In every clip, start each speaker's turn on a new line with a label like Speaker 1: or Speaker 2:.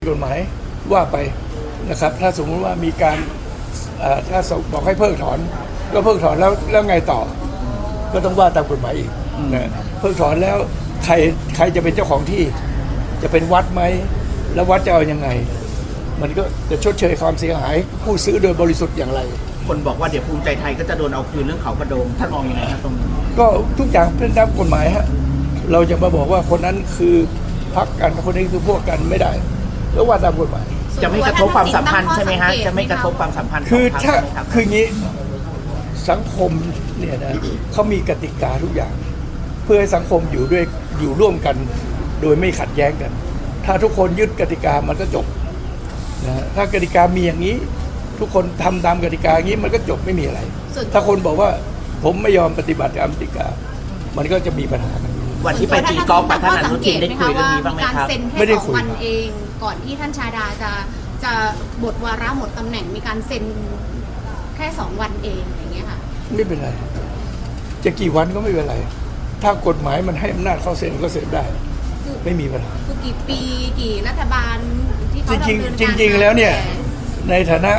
Speaker 1: กฎหมายว่าไปนะครับถ้าสมมติว่ามีการถ้าบอกให้เพิกถอนก็เพิกถอนแล้วไงต่อก็ต้องว่าตามกฎหมายอีกนะเพิกถอนแล้วใครจะเป็นเจ้าของที่จะเป็นวัดไหมแล้ววัดจะเอายังไงมันก็จะชดเชยความเสียหายผู้ซื้อโดยบริสุทธิ์อย่างไร
Speaker 2: คนบอกว่าเดี๋ยวภูมิใจไทยก็จะโดนเอาคืนเรื่องเขากระโดงท่านมองยังไงครับตรงนี้
Speaker 1: ก็ทุกอย่างเป็นตามกฎหมายฮะเราจะมาบอกว่าคนนั้นคือพรรคกันคนนี้คือพวกกันไม่ได้แล้วว่าตามกฎหมาย
Speaker 2: จะไม่กระทบความสัมพันธ์ใช่ไหมฮะจะไม่กระทบความสัมพันธ์
Speaker 1: คือถ้า
Speaker 2: ใช่ไหมครับ
Speaker 1: คืองี้สังคมเนี่ยนะเขามีกติกาทุกอย่าง เพื่อให้สังคมอยู่ร่วมกันโดยไม่ขัดแย้งกัน ถ้าทุกคนยึดกติกามันก็จบนะถ้ากติกามีอย่างนี้ ทุกคนทำตามกติกาอย่างนี้มันก็จบไม่มีอะไร ถ้าคนบอกว่าผมไม่ยอมปฏิบัติตามกติกามันก็จะมีปัญหากัน
Speaker 2: วันที่ไปตีกอล์ฟกับท่านอนุทินได้คุยเรื่องนี้บ้างไหมครับ
Speaker 1: ไม่ได้คุย
Speaker 3: วันเองก่อนที่ท่านชาดาจะหมดวาระหมดตำแหน่งมีการเซ็นแค่2 วันเองอย่างเงี้ยค่ะ
Speaker 1: ไม่เป็นไรจะกี่วันก็ไม่เป็นไรถ้ากฎหมายมันให้อำนาจเขาเซ็นก็เซ็นได้ไม่มีปัญหา
Speaker 3: คือกี่ปีกี่รัฐบาลที่เขา
Speaker 1: จริงแล้วเนี่ยในฐานะ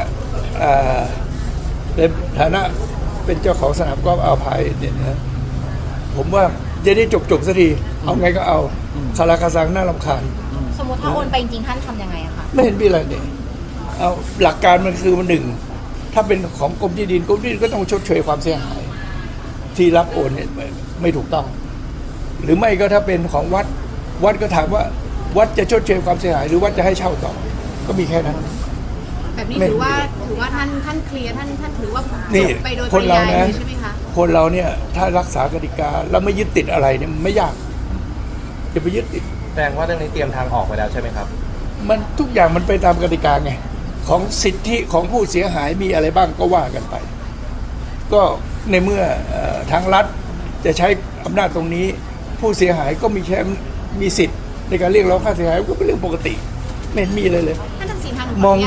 Speaker 1: เป็นเจ้าของสนามกอล์ฟอ่าวไทยเนี่ยนะผมว่าจะได้จบสักทีเอาไงก็เอาคาราคาซังน่ารำคาญ
Speaker 4: สมมติถ้าโอนไปจริงๆท่านทำยังไงอะคะ
Speaker 1: ไม่เห็นมีอะไรเนี่ยเอาหลักการมันคือมันหนึ่งถ้าเป็นของกรมที่ดินก็ต้องชดเชยความเสียหายที่รับโอนเนี่ยไม่ถูกต้องหรือไม่ก็ถ้าเป็นของวัดก็ถามว่าวัดจะชดเชยความเสียหายหรือวัดจะให้เช่าต่อก็มีแค่นั้น
Speaker 3: แบบนี้ถือว่าท่านเคลียร์ท่านถือว่าจบไปโดยปริยายใช่ไหมคะ
Speaker 1: คนเราเนี่ยถ้ารักษากติกาแล้วไม่ยึดติดอะไรเนี่ยไม่ยากจะไปยึดติด
Speaker 5: แสดงว่าเรื่องนี้เตรียมทางออกไปแล้วใช่ไหมครับ
Speaker 1: มันทุกอย่างมันไปตามกติกาไงของสิทธิของผู้เสียหายมีอะไรบ้างก็ว่ากันไปก็ในเมื่อทางรัฐจะใช้อำนาจตรงนี้ผู้เสียหายก็มีสิทธิ์ในการเรียกร้องค่าเสียหายก็เป็นเรื่องปกติไม่เห็นมีเลย
Speaker 3: ท่านทักษิณทาง
Speaker 1: มอง